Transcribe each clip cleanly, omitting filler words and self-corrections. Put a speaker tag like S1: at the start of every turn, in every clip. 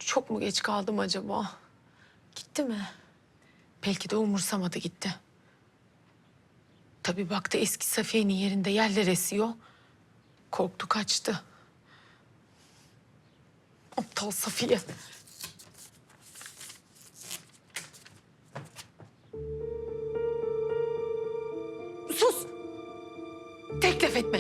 S1: Çok mu geç kaldım acaba? Gitti mi? Belki de umursamadı gitti. Tabii baktı eski Safiye'nin yerinde yerler esiyor. Korktu kaçtı. Aptal Safiye. Sus! Teklif etme.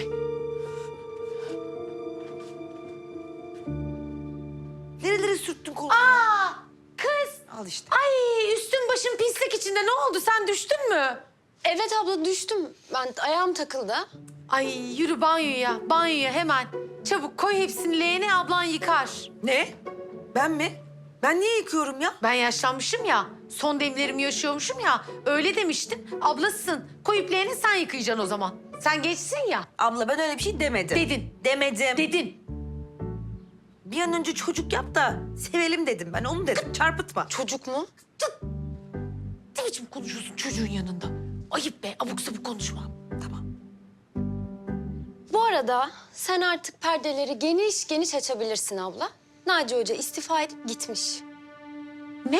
S2: Nerelere sürttün kolunu?
S1: Aa! Kız!
S2: Al işte.
S1: Ay üstün başın pislik içinde. Ne oldu? Sen düştün mü?
S3: Evet abla düştüm. Ben ayağım takıldı.
S1: Ay yürü banyoya. Banyoya hemen. Çabuk koy hepsini leğene, ablan yıkar.
S2: Ne? Ben mi? Ben niye yıkıyorum ya?
S1: Ben yaşlanmışım ya. Son demlerimi yaşıyormuşum ya. Öyle demiştin. Ablasın. Koyup leğeni sen yıkayacaksın o zaman. Sen geçsin ya.
S2: Abla ben öyle bir şey demedim.
S1: Dedin.
S2: Demedim.
S1: Dedin.
S2: Bir an önce çocuk yap da sevelim dedim ben. Onu dedim. Çarpıtma.
S3: Çocuk mu?
S1: Ne biçim konuşuyorsun çocuğun yanında? Ayıp be. Abuk sabuk konuşma.
S2: Tamam.
S3: Bu arada sen artık perdeleri geniş geniş açabilirsin abla. Naci Hoca istifa edip gitmiş.
S1: Ne?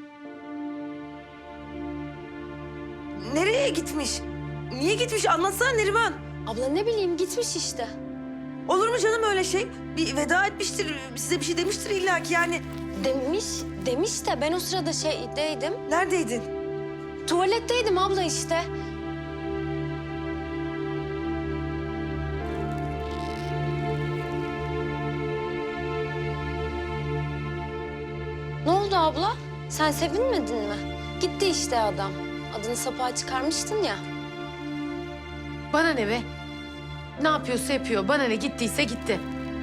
S2: Nereye gitmiş? Niye gitmiş? Anlatsana Neriman.
S3: Abla ne bileyim gitmiş işte.
S2: Olur mu canım öyle şey? Bir veda etmiştir, size bir şey demiştir illaki yani.
S3: Demiş de ben o sırada şeydeydim.
S2: Neredeydin?
S3: Tuvaletteydim abla işte. Ne oldu abla? Sen sevinmedin mi? Gitti işte adam. Adını sapığa çıkarmıştın ya.
S1: Bana ne be? Ne yapıyorsa yapıyor. Bana ne, gittiyse gitti.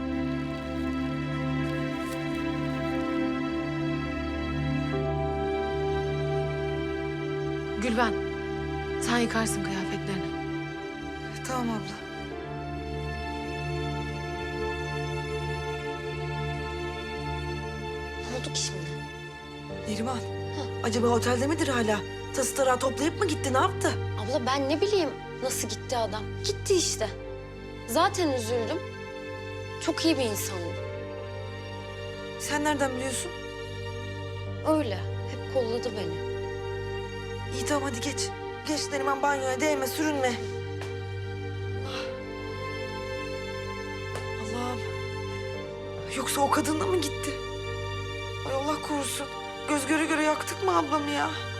S1: Gülben, sen yıkarsın kıyafetlerini.
S2: Tamam abla.
S3: Ne oldu ki şimdi?
S2: Neriman, acaba otelde midir hala? Tası tarağı toplayıp mı gitti, ne yaptı?
S3: Abla ben ne bileyim nasıl gitti adam. Gitti işte. Zaten üzüldüm. Çok iyi bir insandı.
S2: Sen nereden biliyorsun?
S3: Öyle. Hep kolladı beni.
S2: İyi tamam hadi geç. Geç Neriman, banyoya değme, sürünme. Allah'ım. Yoksa o kadınla mı gitti? Ay Allah korusun. Göz göre göre yaktık mı ablamı ya?